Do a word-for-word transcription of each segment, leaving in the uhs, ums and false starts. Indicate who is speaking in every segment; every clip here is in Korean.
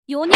Speaker 1: 요년,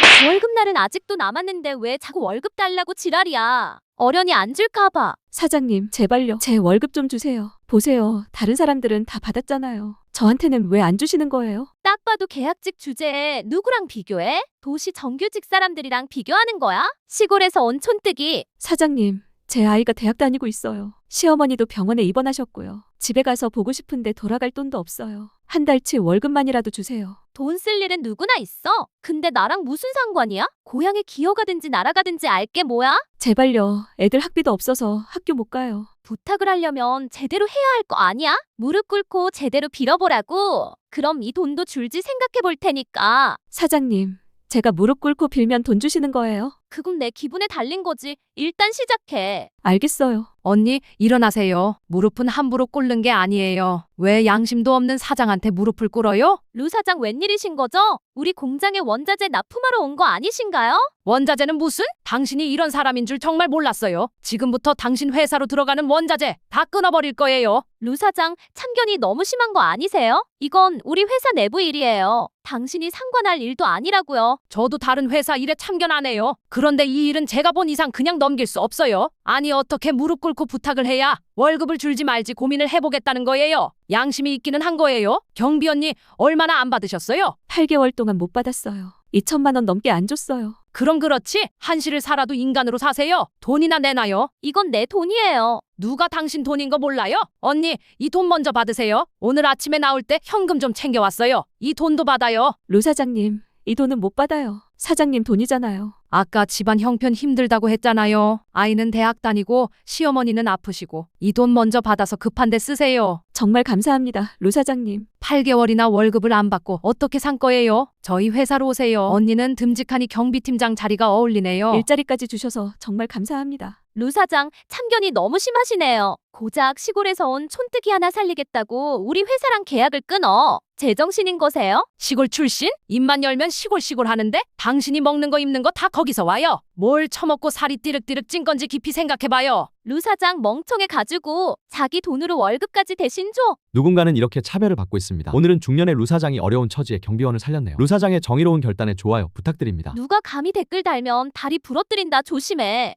Speaker 1: 월급날은 아직도 남았는데 왜 자꾸 월급 달라고 지랄이야. 어련히 안 줄까봐.
Speaker 2: 사장님, 제발요. 제 월급 좀 주세요. 보세요. 다른 사람들은 다 받았잖아요. 저한테는 왜 안 주시는 거예요?
Speaker 1: 딱 봐도 계약직 주제에 누구랑 비교해? 도시 정규직 사람들이랑 비교하는 거야? 시골에서 온 촌뜨기.
Speaker 2: 사장님, 제 아이가 대학 다니고 있어요. 시어머니도 병원에 입원하셨고요. 집에 가서 보고 싶은데 돌아갈 돈도 없어요. 한 달치 월급만이라도 주세요.
Speaker 1: 돈 쓸 일은 누구나 있어. 근데 나랑 무슨 상관이야? 고향에 기어가든지 날아가든지 알게 뭐야?
Speaker 2: 제발요. 애들 학비도 없어서 학교 못 가요.
Speaker 1: 부탁을 하려면 제대로 해야 할 거 아니야? 무릎 꿇고 제대로 빌어보라고. 그럼 이 돈도 줄지 생각해 볼 테니까.
Speaker 2: 사장님, 제가 무릎 꿇고 빌면 돈 주시는 거예요?
Speaker 1: 그건 내 기분에 달린 거지. 일단 시작해.
Speaker 2: 알겠어요.
Speaker 3: 언니, 일어나세요. 무릎은 함부로 꿇는 게 아니에요. 왜 양심도 없는 사장한테 무릎을 꿇어요?
Speaker 1: 루 사장 웬일이신 거죠? 우리 공장에 원자재 납품하러 온 거 아니신가요?
Speaker 3: 원자재는 무슨? 당신이 이런 사람인 줄 정말 몰랐어요. 지금부터 당신 회사로 들어가는 원자재 다 끊어버릴 거예요.
Speaker 1: 루 사장, 참견이 너무 심한 거 아니세요? 이건 우리 회사 내부 일이에요. 당신이 상관할 일도 아니라고요.
Speaker 3: 저도 다른 회사 일에 참견 안 해요. 그런데 이 일은 제가 본 이상 그냥 넘길 수 없어요. 아니 어떻게 무릎 꿇고 부탁을 해야 월급을 줄지 말지 고민을 해보겠다는 거예요. 양심이 있기는 한 거예요. 경비 언니 얼마나 안 받으셨어요?
Speaker 2: 팔 개월 동안 못 받았어요. 이천만 원 넘게 안 줬어요.
Speaker 3: 그럼 그렇지. 한시를 살아도 인간으로 사세요. 돈이나 내놔요.
Speaker 1: 이건 내 돈이에요.
Speaker 3: 누가 당신 돈인 거 몰라요? 언니, 이 돈 먼저 받으세요. 오늘 아침에 나올 때 현금 좀 챙겨왔어요. 이 돈도 받아요.
Speaker 2: 루 사장님, 이 돈은 못 받아요. 사장님 돈이잖아요.
Speaker 3: 아까 집안 형편 힘들다고 했잖아요. 아이는 대학 다니고 시어머니는 아프시고 이 돈 먼저 받아서 급한데 쓰세요.
Speaker 2: 정말 감사합니다. 루 사장님.
Speaker 3: 팔 개월이나 월급을 안 받고 어떻게 산 거예요? 저희 회사로 오세요. 언니는 듬직하니 경비팀장 자리가 어울리네요.
Speaker 2: 일자리까지 주셔서 정말 감사합니다.
Speaker 1: 루 사장, 참견이 너무 심하시네요. 고작 시골에서 온 촌뜨기 하나 살리겠다고 우리 회사랑 계약을 끊어. 제정신인 거세요?
Speaker 3: 시골 출신? 입만 열면 시골 시골 하는데 당신이 먹는 거 입는 거 다 거기서 와요. 뭘 처먹고 살이 띠륵띠륵 찐 건지 깊이 생각해봐요.
Speaker 1: 루 사장 멍청해 가지고 자기 돈으로 월급까지 대신 줘.
Speaker 4: 누군가는 이렇게 차별을 받고 있습니다. 오늘은 중년의 루 사장이 어려운 처지에 경비원을 살렸네요. 루 사장의 정의로운 결단에 좋아요 부탁드립니다.
Speaker 1: 누가 감히 댓글 달면 다리 부러뜨린다 조심해.